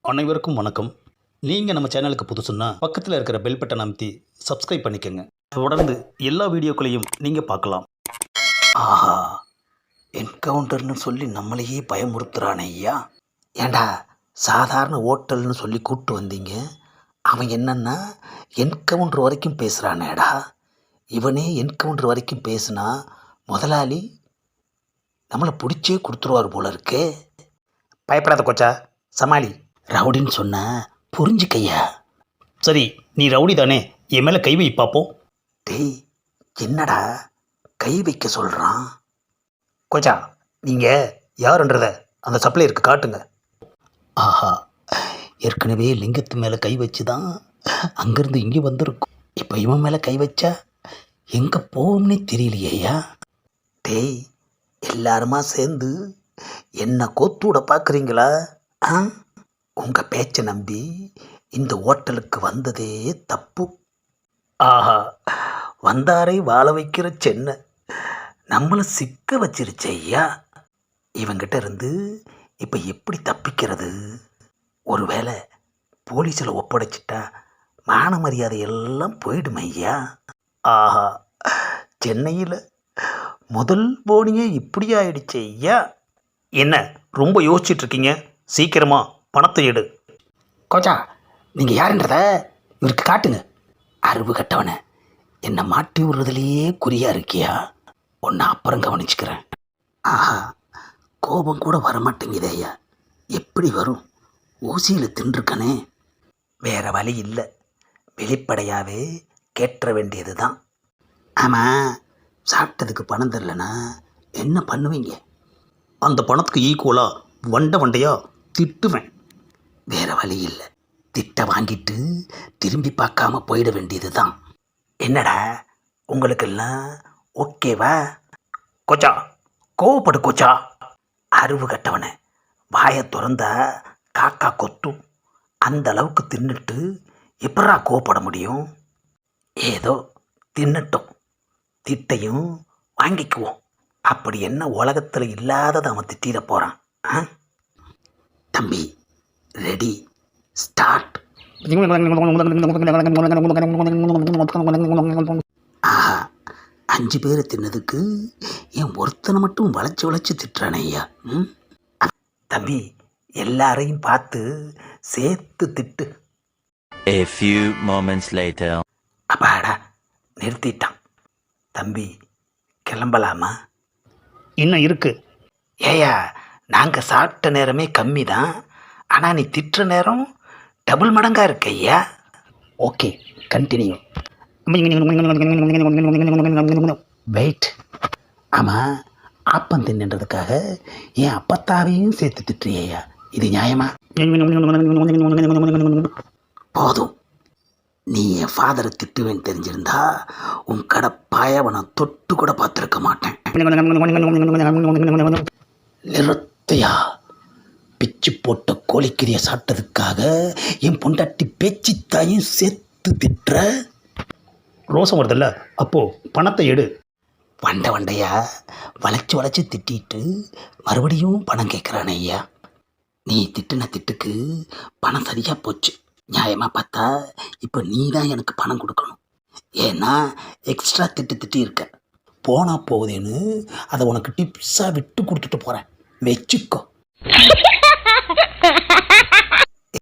அனைவருக்கும் வணக்கம். நீங்கள் நம்ம சேனலுக்கு புதுசுன்னா பக்கத்தில் இருக்கிற பெல் பட்டன் அமைத்தி சப்ஸ்கிரைப் பண்ணிக்கோங்க. தொடர்ந்து எல்லா வீடியோக்களையும் நீங்கள் பார்க்கலாம். ஆஹா, என்கவுண்டர்னு சொல்லி நம்மளையே பயமுறுத்துறானே ஐயா. ஏண்டா, சாதாரண ஓட்டல்னு சொல்லி கூப்பிட்டு வந்தீங்க, அவன் என்னன்னா என்கவுண்டர் வரைக்கும் பேசுகிறானேடா. இவனே என்கவுண்டர் வரைக்கும் பேசுனா முதலாளி நம்மளை பிடிச்சே கொடுத்துருவார் போல இருக்கே. பயப்படாத கொச்சா, சமாளி. ரவுடின்னு சொன்ன புரிஞ்சுக்கையா. சரி, நீ ரவுடி தானே, என் மேலே கை வை பார்ப்போம். டேய், என்னடா கை வைக்க சொல்கிறான்? கொச்சா, நீங்கள் யாருன்றத அந்த சப்ளையருக்கு காட்டுங்க. ஆஹா, ஏற்கனவே லிங்கத்து மேலே கை வச்சு தான் அங்கேருந்து இங்கே வந்திருக்கும். இப்போ இவன் மேலே கை வச்சா எங்கே போகும்னே தெரியலையா. டேய், எல்லாருமா சேர்ந்து என்ன கோத்தூட பார்க்குறீங்களா? ஆ, உங்கள் பேச்சை நம்பி இந்த ஹோட்டலுக்கு வந்ததே தப்பு. ஆஹா, வந்தாரை வாழ வைக்கிற சென்னை நம்மளை சிக்க வச்சிருச்சு ஐயா. இவங்கிட்ட இருந்து இப்போ எப்படி தப்பிக்கிறது? ஒருவேளை போலீஸில் ஒப்படைச்சிட்டா மான மரியாதை எல்லாம் போயிடும் ஐயா. ஆஹா, சென்னையில் முதல் போனியே இப்படி ஆயிடுச்சு ஐயா. என்ன ரொம்ப யோசிச்சுட்ருக்கீங்க? சீக்கிரமா பணத்தை எடு. கோச்சா, நீங்கள் யாருன்றத இவருக்கு காட்டுங்க. அறிவு கட்டவனை என்னை மாட்டி விடுறதுலையே குறியா இருக்கியா? ஒன்று அப்புறம் கவனிச்சுக்கிறேன். ஆஹா, கோபம் கூட வரமாட்டேங்குதே ஐயா. எப்படி வரும்? ஊசியில் தின்றுக்கனே. வேறு வழி இல்லை, வெளிப்படையாகவே கேட்டுற வேண்டியது தான். ஆமாம், சாப்பிட்டதுக்கு பணம் தரலனா என்ன பண்ணுவீங்க? அந்த பணத்துக்கு ஈக்குவலாக வண்டையாக திட்டுவேன். வேறு வழி இல்லை, திட்ட வாங்கிட்டு திரும்பி பார்க்காம போயிட வேண்டியது தான். என்னடா உங்களுக்கெல்லாம் ஓகேவா? கோச்சா, கோவப்படு கோச்சா. அறிவு கட்டவனை வாயை திறந்தா காக்கா கொத்தும். அந்த அளவுக்கு தின்னுட்டு எப்படா கோவப்பட முடியும்? ஏதோ தின்னட்டும், திட்டையும் வாங்கிக்குவோம். அப்படி என்ன உலகத்தில் இல்லாததை அவன் திட்டிட போகிறான்? தம்பி, ரெடி, ஸ்டார்ட். ஆஹா, 5 பேரை தின்னதுக்கு என் ஒருத்தனை மட்டும் வளைச்சி திட்டுறானே ஐயா. தம்பி, எல்லாரையும் பார்த்து சேர்த்து திட்டு. A few moments later. அப்பாடா, நிறுத்திட்டான். தம்பி, கிளம்பலாமா? இன்னும் இருக்கு. ஏயா, நாங்கள் சாப்பிட்ட நேரமே கம்மி தான், ஆனால் நீ திட்டுற நேரம் டபுள் மடங்காக இருக்கு ஐயா. Okay, continue. வெயிட். ஆமாம், ஆப்பம் தின்னுன்றதுக்காக என் அப்பத்தாவையும் சேர்த்து திட்டுறியா? இது நியாயமா? போதும், நீ என் ஃபாதரை திட்டுவேன்னு தெரிஞ்சிருந்தா உன் கடை பாயவனை தொட்டு கூட பார்த்துருக்க மாட்டேன். நிறுத்தையா, பிச்சு போட்ட கோழிக்கறியை சாப்பிட்டதுக்காக என் பொண்டாட்டி பேச்சித்தாயும் சேர்த்து திட்டுற? ரோசம் வருதில்ல, அப்போ பணத்தை எடு. வண்டையா வளைச்சி திட்டிட்டு மறுபடியும் பணம் கேட்குறானே ஐயா. நீ திட்டுன திட்டுக்கு பணம் சரியாக போச்சு. நியாயமாக பார்த்தா இப்போ நீ தான் எனக்கு பணம் கொடுக்கணும். ஏன்னா எக்ஸ்ட்ரா திட்டி இருக்க. போனால் போகுதேன்னு அதை உனக்கு டிப்ஸாக விட்டு கொடுத்துட்டு போகிறேன், வச்சுக்கோ.